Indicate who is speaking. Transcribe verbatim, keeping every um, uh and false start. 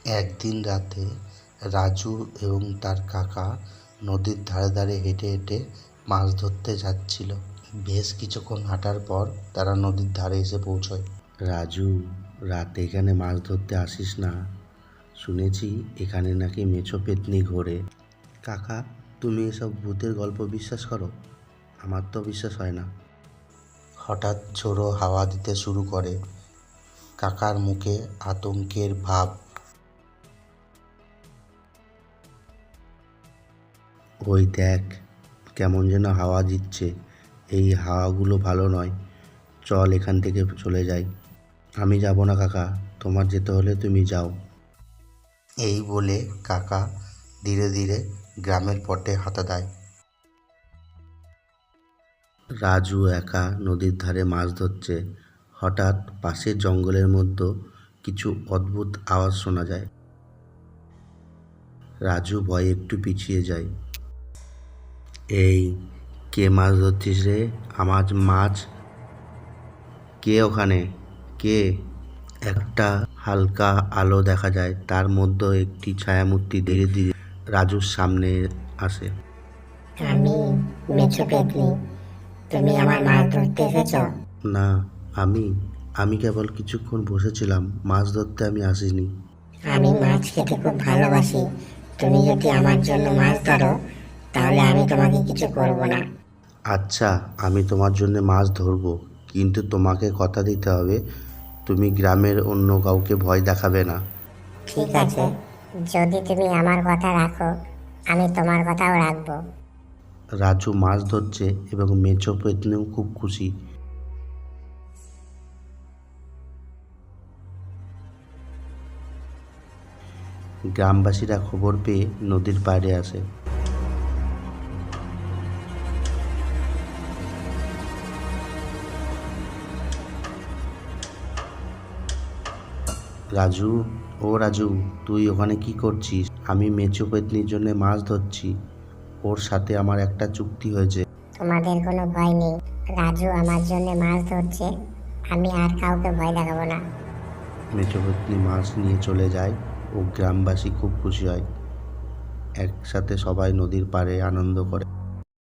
Speaker 1: একদিন রাতে রাজু এবং তার কাকা নদীর ধারে ধারে হেঁটে হেঁটে মাছ ধরতে যাচ্ছিল। বেশ কিছুক্ষণ হাঁটার পর তারা নদীর ধারে এসে পৌঁছয়। রাজু, রাতে এখানে মাছ ধরতে আসিস না, শুনেছি এখানে নাকি মেছো পেতনি ঘোরে। কাকা, তুমি এসব ভূতের গল্প বিশ্বাস করো? আমার তো বিশ্বাস হয় না। হঠাৎ ঝোড়ো হাওয়া দিতে শুরু করে। কাকার মুখে আতঙ্কের ভাব। ওই দেখ, কেমন যেন হাওয়া দিচ্ছে। এই হাওয়াগুলো ভালো নয়, চল এখান থেকে চলে যাই। আমি যাব না কাকা, তোমার যেতে হলে তুমি যাও। এই বলে কাকা ধীরে ধীরে গ্রামের পথে হাঁটা দেয়। রাজু একা নদীর ধারে মাছ ধরছে। হঠাৎ পাশের জঙ্গলের মধ্যে কিছু অদ্ভুত আওয়াজ শোনা যায়। রাজু ভয়ে একটু পিছিয়ে যায়। এই, কে মাছ ধরছিস রে? আমার মাছ। কে ওখানে? কে? একটা হালকা আলো দেখা যায়, তার মধ্যে একটি ছায়ামূর্তি ধীরে ধীরে রাজুর সামনে আসে।
Speaker 2: আমি মেছো পেতনি, তুমি আমার মাছ ধরতে এসেছো?
Speaker 1: না, আমি আমি কেবল কিছুক্ষণ বসেছিলাম, মাছ ধরতে আমি আসিনি।
Speaker 2: আমি মাছ খেতে খুব ভালোবাসি, তুমি যদি আমার জন্য মাছ ধরো তাহলে আমি তোমাকে কিছু করব না।
Speaker 1: আচ্ছা, আমি তোমার জন্য মাছ ধরবো, কিন্তু তোমাকে কথা দিতে হবে তুমি গ্রামের অন্য কাউকে ভয় দেখাবে না।
Speaker 2: ঠিক আছে, যদি তুমি আমার কথা রাখো আমি তোমার কথাও রাখবো।
Speaker 1: রাজু মাছ ধরছে এবং মেছো পেতনিও খুব খুশি। গ্রামবাসীরা খবর পেয়ে নদীর পাড়ে আসে। রাজু, ও রাজু, তুই ওখানে কি করছিস? আমি মেছো পেতনির জন্য মাছ ধরছি, ওর সাথে আমার একটা চুক্তি হয়েছে।
Speaker 2: তোমাদের কোনো ভয় নেই, রাজু আমার জন্য মাছ ধরছে, আমি আর কাউকে ভয় দেখাবো না।
Speaker 1: মেছো পেতনি মাছ নিয়ে চলে যায় ও গ্রামবাসী খুব খুশি হয়। একসাথে সবাই নদীর পাড়ে আনন্দ করে।